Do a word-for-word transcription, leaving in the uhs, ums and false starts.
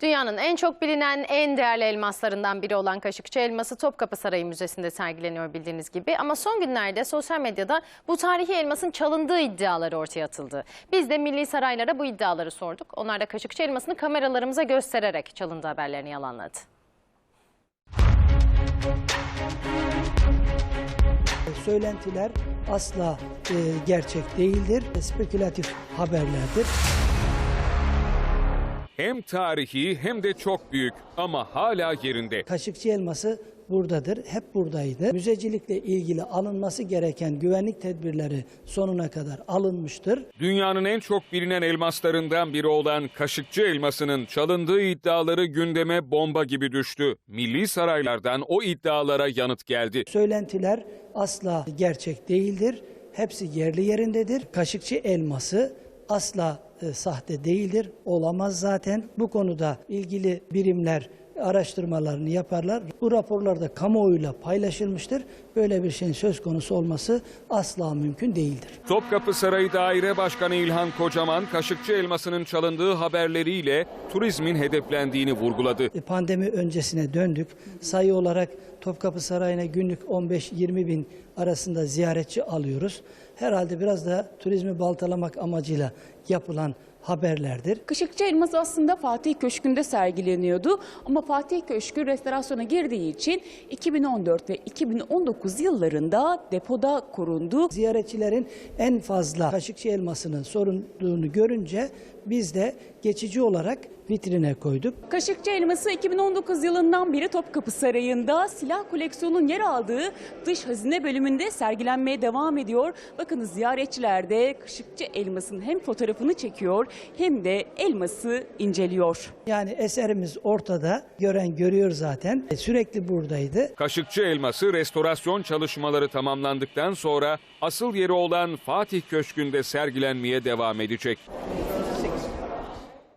Dünyanın en çok bilinen, en değerli elmaslarından biri olan Kaşıkçı elması Topkapı Sarayı Müzesi'nde sergileniyor bildiğiniz gibi. Ama son günlerde sosyal medyada bu tarihi elmasın çalındığı iddiaları ortaya atıldı. Biz de milli saraylara bu iddiaları sorduk. Onlar da Kaşıkçı elmasını kameralarımıza göstererek çalındığı haberlerini yalanladı. Söylentiler asla e, gerçek değildir, spekülatif haberlerdir. Hem tarihi hem de çok büyük ama hala yerinde. Kaşıkçı elması buradadır, hep buradaydı. Müzecilikle ilgili alınması gereken güvenlik tedbirleri sonuna kadar alınmıştır. Dünyanın en çok bilinen elmaslarından biri olan Kaşıkçı elmasının çalındığı iddiaları gündeme bomba gibi düştü. Milli saraylardan o iddialara yanıt geldi. Söylentiler asla gerçek değildir, hepsi yerli yerindedir. Kaşıkçı elması asla e, sahte değildir, olamaz zaten. Bu konuda ilgili birimler araştırmalarını yaparlar. Bu raporlar da kamuoyuyla paylaşılmıştır. Böyle bir şeyin söz konusu olması asla mümkün değildir. Topkapı Sarayı Daire Başkanı İlhan Kocaman, Kaşıkçı elmasının çalındığı haberleriyle turizmin hedeflendiğini vurguladı. Pandemi öncesine döndük. Sayı olarak Topkapı Sarayı'na günlük on beş yirmi bin arasında ziyaretçi alıyoruz. Herhalde biraz da turizmi baltalamak amacıyla yapılan haberlerdir. Kaşıkçı elması aslında Fatih Köşkü'nde sergileniyordu ama Fatih Köşkü restorasyona girdiği için iki bin on dört ve iki bin on dokuz yıllarında depoda korundu. Ziyaretçilerin en fazla Kaşıkçı elmasının sorulduğunu görünce biz de geçici olarak vitrine koyduk. Kaşıkçı elması iki bin on dokuz yılından beri Topkapı Sarayı'nda silah koleksiyonunun yer aldığı dış hazine bölümünde sergilenmeye devam ediyor. Bakınız ziyaretçiler de Kaşıkçı elmasının hem fotoğrafını çekiyor hem de elması inceliyor. Yani eserimiz ortada, gören görüyor zaten. Sürekli buradaydı. Kaşıkçı elması restorasyon çalışmaları tamamlandıktan sonra asıl yeri olan Fatih Köşkü'nde sergilenmeye devam edecek.